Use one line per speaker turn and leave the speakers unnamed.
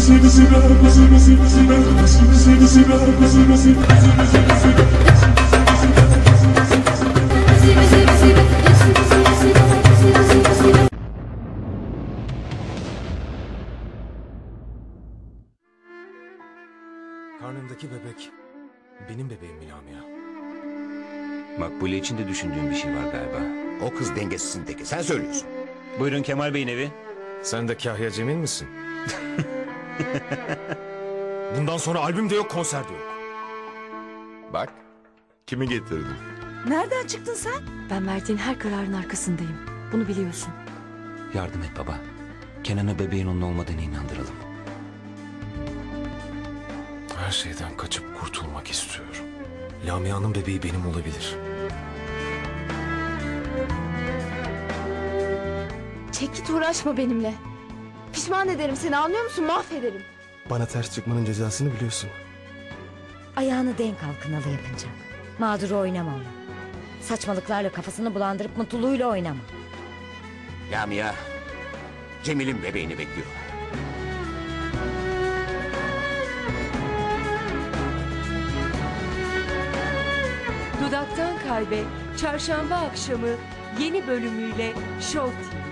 Karnımdaki bebek benim bebeğim mi Lamia?
Makbule için de düşündüğün bir şey var galiba.
O kız dengesizin teki. Sen söylüyorsun.
Buyurun Kemal Bey'in evi.
Sen de Kahya Cemil misin? Bundan sonra albüm de yok, konser de yok.
Bak. Kimi getirdim?
Nereden çıktın sen?
Ben verdiğin her kararın arkasındayım. Bunu biliyorsun.
Yardım et baba. Kenan'ı bebeğin onun olmadığını inandıralım.
Her şeyden kaçıp kurtulmak istiyorum. Lamia'nın bebeği benim olabilir.
Çek git, uğraşma benimle. Pişman ederim seni, anlıyor musun? Mahvederim.
Bana ters çıkmanın cezasını biliyorsun.
Ayağını denk al kınalı yapınca. Mağduru oynama onu. Saçmalıklarla kafasını bulandırıp mutluluğuyla oynama.
Lamia, Cemil'in bebeğini bekliyor.
Dudaktan Kalbe Çarşamba akşamı yeni bölümüyle Show TV.